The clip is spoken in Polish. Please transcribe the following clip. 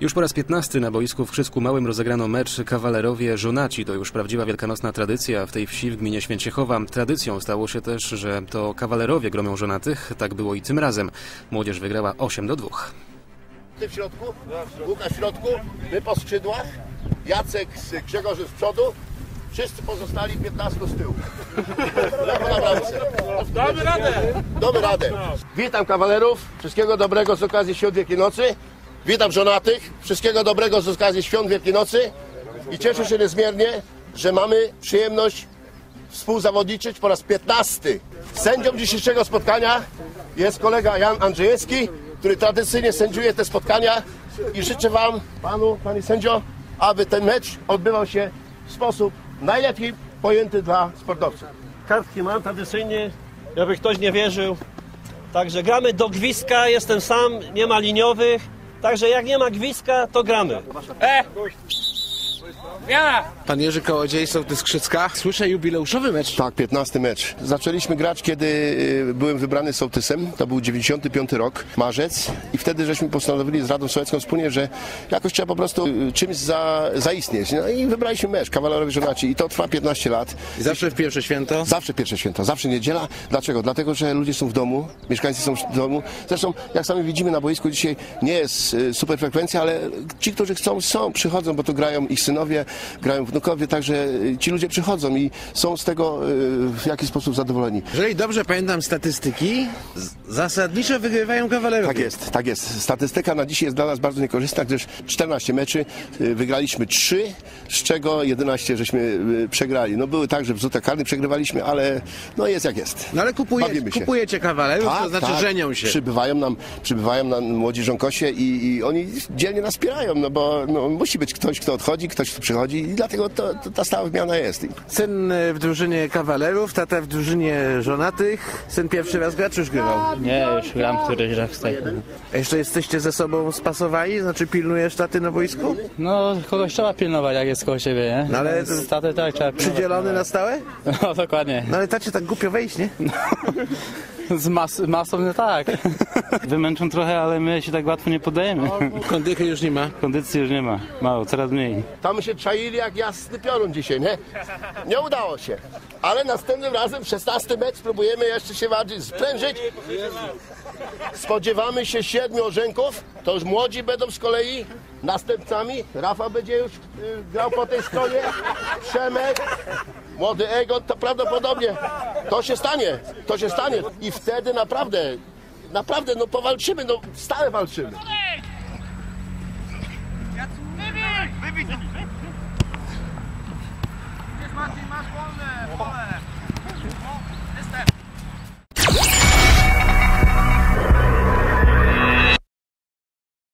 Już po raz 15 na boisku w Krzysku Małym rozegrano mecz Kawalerowie-Żonaci. To już prawdziwa wielkanocna tradycja w tej wsi w gminie Święciechowa. Tradycją stało się też, że to kawalerowie gromią żonatych. Tak było i tym razem. Młodzież wygrała 8-2. Ty w środku, Łukasz w środku, my po skrzydłach, Jacek z Grzegorzem z przodu, wszyscy pozostali 15 z tyłu. Damy radę! Damy radę. Witam kawalerów, wszystkiego dobrego z okazji Świąt Wielkiej Nocy. Witam żonatych, wszystkiego dobrego z okazji Świąt Wielkiej Nocy. I cieszę się niezmiernie, że mamy przyjemność współzawodniczyć po raz 15. Sędzią dzisiejszego spotkania jest kolega Jan Andrzejewski, który tradycyjnie sędziuje te spotkania i życzę Wam, Panie sędzio, aby ten mecz odbywał się w sposób najlepiej pojęty dla sportowców. Kartki mam tradycyjnie, jakby ktoś nie wierzył. Także gramy do gwizdka, jestem sam, nie ma liniowych. Także jak nie ma gwizdka, to gramy. Pan Jerzy Kołodziej, sołtys Krzycka. Słyszę jubileuszowy mecz. Tak, 15 mecz. Zaczęliśmy grać, kiedy byłem wybrany sołtysem. To był 95 rok, marzec. I wtedy żeśmy postanowili z Radą Sołecką wspólnie, że jakoś trzeba po prostu czymś zaistnieć. No i wybraliśmy mecz, Kawalerowie Żonaci. I to trwa 15 lat. I zawsze w pierwsze święto? Zawsze pierwsze święto, zawsze niedziela. Dlaczego? Dlatego, że ludzie są w domu, mieszkańcy są w domu. Zresztą, jak sami widzimy na boisku, dzisiaj nie jest super frekwencja, ale ci, którzy chcą, przychodzą, bo tu grają ich synowie, grają wnukowie, także ci ludzie przychodzą i są z tego w jakiś sposób zadowoleni. Jeżeli dobrze pamiętam statystyki, zasadniczo wygrywają kawalerowie. Tak jest. Statystyka na dzisiaj jest dla nas bardzo niekorzystna, gdyż 14 meczy, wygraliśmy 3, z czego 11 żeśmy przegrali. No były tak, że w rzutach karnych przegrywaliśmy, ale no jest jak jest. No ale kupujecie kawalerów, to znaczy żenią się. Przybywają nam młodzi żonkosie i oni dzielnie nas wspierają, no bo musi być ktoś, kto odchodzi, ktoś, kto przychodzi i dlatego ta stała wymiana jest. Syn w drużynie kawalerów, tata w drużynie żonatych. Syn pierwszy raz gra, czy już grywał? Nie, już gram któryś raz w tej. A jeszcze jesteście ze sobą spasowani? Znaczy pilnujesz taty na boisku? No, kogoś trzeba pilnować, jak jest koło siebie, nie? No, ale z taty tak trzeba pilnować. Przydzielony na stałe? No, dokładnie. No ale tacie tak głupio wejść, nie? Z masą nie tak. Wymęczą trochę, ale my się tak łatwo nie poddajemy. Kondychy już nie ma? Kondycji już nie ma. Mało, coraz mniej. Tam się czaili jak jasny piorun dzisiaj, nie? Nie udało się. Ale następnym razem w 16 mecz spróbujemy jeszcze się bardziej sprężyć. Spodziewamy się 7 orzenków. To już młodzi będą z kolei następcami. Rafał będzie już grał po tej stronie. Przemek, młody Egon, to prawdopodobnie to się stanie. I wtedy naprawdę, no powalczymy, no stale walczymy. Wybij!